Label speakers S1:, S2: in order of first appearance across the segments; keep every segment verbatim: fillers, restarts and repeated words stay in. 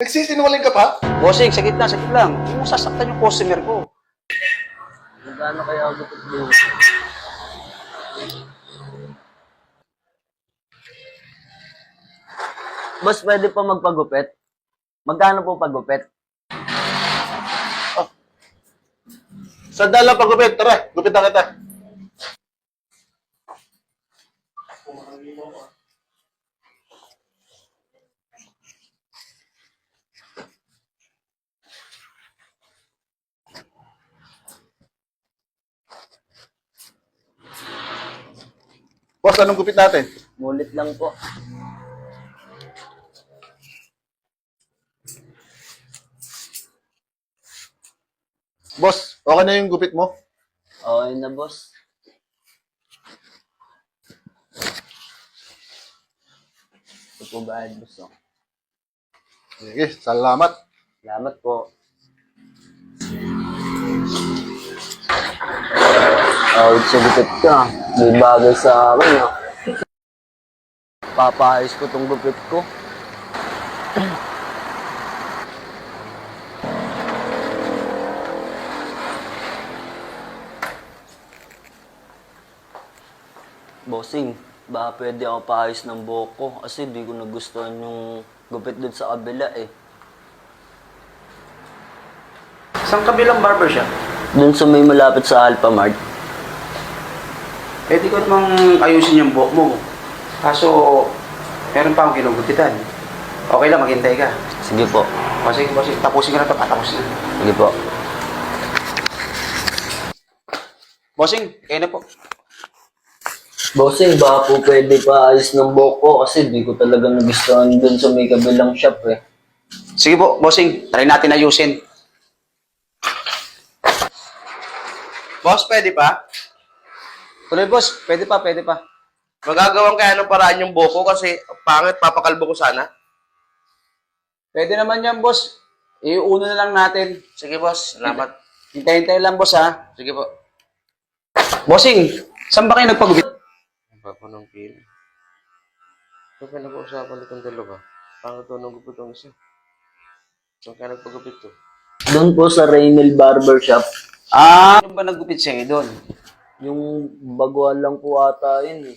S1: Nagsisinungaling ka pa?
S2: Bossing, sagit lang, sagit lang. Huwag mo sasaktan yung customer ko.
S3: Magkano kaya ako gupit mo? Boss, pwede pa magpagupit? Magkano po pagupit?
S1: Sandal lang pagupit. Tara, gupit na kita. Boss, anong gupit natin?
S3: Mulit lang po.
S1: Boss, okay na yung gupit mo?
S3: Okay na, boss. Ito po ba, boss? Oh.
S1: Sige, salamat.
S3: Salamat po. Oh, sa gupit ka. May bagay sa akin, ah. Papaayos ko tong gupit ko. Bossing, baka pwede ako paayos ng buhok ko kasi di ko nagustuhan yung gupit dun sa kabila eh.
S2: Saan kabilang barbershop?
S3: Dun sa may malapit sa Alphamart.
S2: Pwede ko namang ayusin yung buhok mo. Kaso, meron pa akong ginugupitan. Okay lang, maghintay ka.
S3: Sige po.
S2: O sige, bossing, tapusin ko na ito, patapos na.
S3: Sige po.
S2: Bossing, kayo na po.
S3: Bossing, baka po pwede paayos ng buhok ko kasi di ko talaga nagustuhan dun sa may kabilang shop eh.
S2: Sige po, bossing, try natin ayusin.
S4: Boss, pwede pa?
S2: Tuloy, boss. Pwede pa, pwede pa.
S4: Magagawan kaya ng paraan yung buko kasi pangit, papakalbo ko sana.
S2: Pwede naman yan, boss. Iuuna na lang natin.
S4: Sige, boss. Salamat.
S2: Hintay-hintay lang, boss, ha?
S4: Sige po.
S2: Bossing, saan ba kayo nagpagupit?
S4: Papa ng pili. Ito ka nag-uusapan itong dalawa. Pangit to nung gupit itong isa. Saan kaya nagpagupit to?
S3: Doon po sa Raynel Barbershop,
S2: Ah, ano ba naggupit sa'yo doon?
S3: yung baguhan lang po ata yun eh.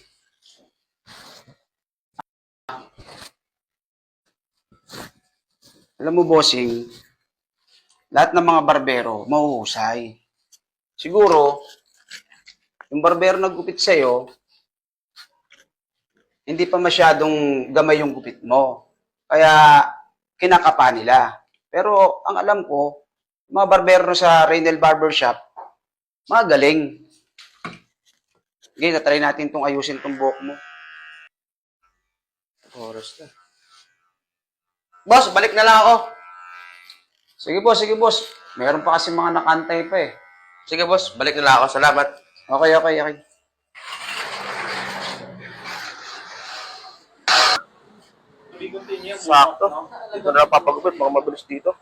S2: Alam mo, bossing, lahat ng mga barbero, mahuhusay. Siguro, yung barbero naggupit sa'yo, hindi pa masyadong gamay yung gupit mo. Kaya, kinakapa nila. Pero, ang alam ko, mga barbero sa Raynel Barbershop, mga galing. Sige, natry natin itong ayusin itong buhok mo.
S4: Oras na.
S2: Boss, balik na lang ako. Sige boss, sige boss. Meron pa kasi mga nakantay pa eh.
S4: Sige, boss. Balik na lang ako. Salamat.
S2: Okay, okay, okay.
S4: Sakto. Dito na lang papagupit. Mga mabilis dito.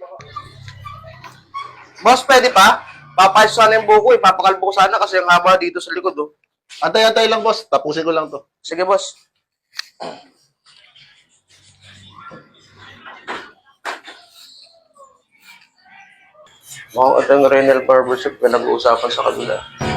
S4: Boss, pwede pa? Papayos sana yung buko eh. Papakalbo ko sana kasi ang haba dito sa likod oh.
S1: Antay-antay lang, boss. Tapusin ko lang to.
S4: Sige, boss. Mukhang ito yung Renal Barbershop na nag-uusapan sa kabila.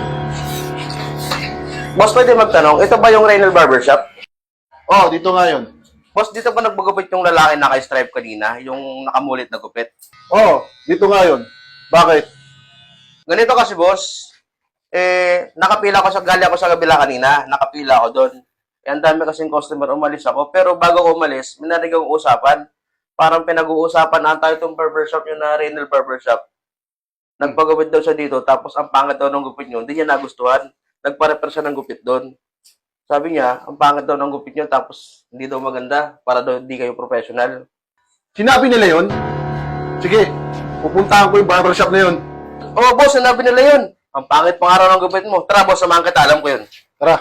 S4: Boss, pwede magtanong, ito ba yung Renal Barbershop?
S1: Oh, dito nga yun.
S4: Boss, dito ba nagbagupit yung lalaki na naka-stripe kanina? Yung nakamulit na gupit?
S1: Oh, dito nga yun. Bakit?
S4: Ganito kasi, boss. Eh, nakapila ko sa gali ako sa kabila kanina. Nakapila ako doon. Eh, ang dami kasing customer, umalis ako. Pero bago ko umalis, may narinig akong usapan. Parang pinag-uusapan na tayo itong barbershop yung na Renal Barbershop. Nagpagupit daw siya dito, tapos ang pangit daw ng gupit niyo, hindi niya nagustuhan. Nagpa-repair siya ng gupit doon. Sabi niya, ang pangit daw ng gupit niyo, tapos hindi daw maganda, para daw hindi kayo professional.
S1: Sinabi nila yun? Sige, pupuntahan ko yung barbershop na yun.
S4: Oo, boss, sinabi nila yun. Ang pangit pang araw ng gupit mo. Tara, boss, samahan kita, alam ko yun.
S1: Tara.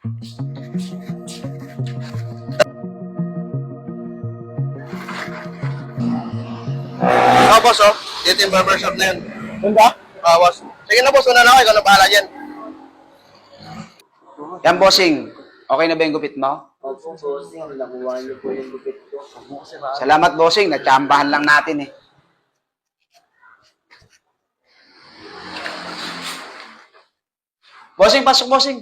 S4: Oo, boss, oh. Dito yung barbershop na yun.
S1: Yun ba?
S4: Oo, boss. Sige na, boss, una na ako, ikaw na bahala dyan.
S2: Yan, bossing. Okay na ba yung gupit mo?
S3: Opo, bossing. Nakuha niyo po yung gupit ko.
S2: Salamat, bossing. Natsambahan lang natin eh. Bossing, pasok, bossing.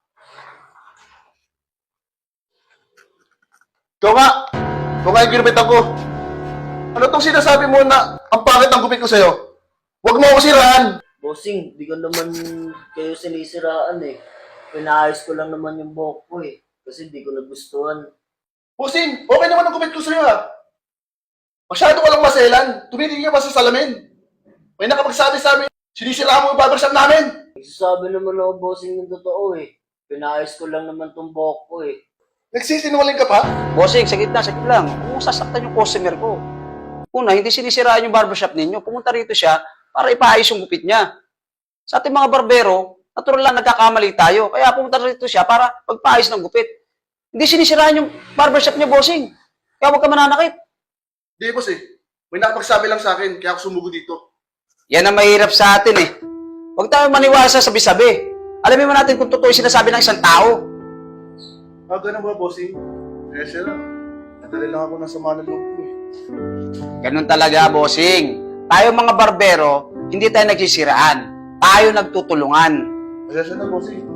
S1: Ikaw nga! Ikaw nga yung ginupitan ko. Ano tong sinasabi mo na ang pangit ng gupit ko sa'yo? Huwag mo ako siraan!
S3: Bossing, di ko naman kayo sinisiraan eh. Pinaayos ko lang naman yung buhok ko eh. Kasi di ko nagustuhan.
S1: Bossing, okay naman ang gupit ko sa'yo ha. Masyado ka lang maselan. Tumitingin ka pa sa salamin. May nakapagsabi sa amin, sinisiraan mo yung barbershop namin.
S3: Nagsasabi naman ako, bossing, yung totoo eh. Pinaayos ko lang naman tong buhok ko eh.
S1: Nagsisinungaling ka pa?
S2: Bossing, sagit na, sagit lang. Huwag mong sasaktan yung customer ko. Una, hindi sinisiraan yung barbershop ninyo. Pumunta rito siya para ipaayos yung gupit niya. Sa ating mga barbero, natural lang nagkakamali tayo. Kaya pumunta rito siya para magpaayos ng gupit. Hindi sinisiraan yung barbershop niya, bossing. Kaya huwag ka mananakit.
S1: Hindi, boss eh. May nakapagsabi lang sa akin, kaya ako sumugod dito.
S2: Yan ang mahirap sa atin eh. Huwag tayo maniwala sa sabi-sabi. Alamin mo natin kung totoo yung sinasabi ng isang tao.
S1: Ah, ganun ba, bossing? Eh, siya lang. Nadali lang ako ng sama ng loob ko eh.
S2: Ganun talaga, bossing. Tayo mga barbero, hindi tayo nagsisiraan. Tayo nagtutulungan.
S1: Kaya siya na, bossing.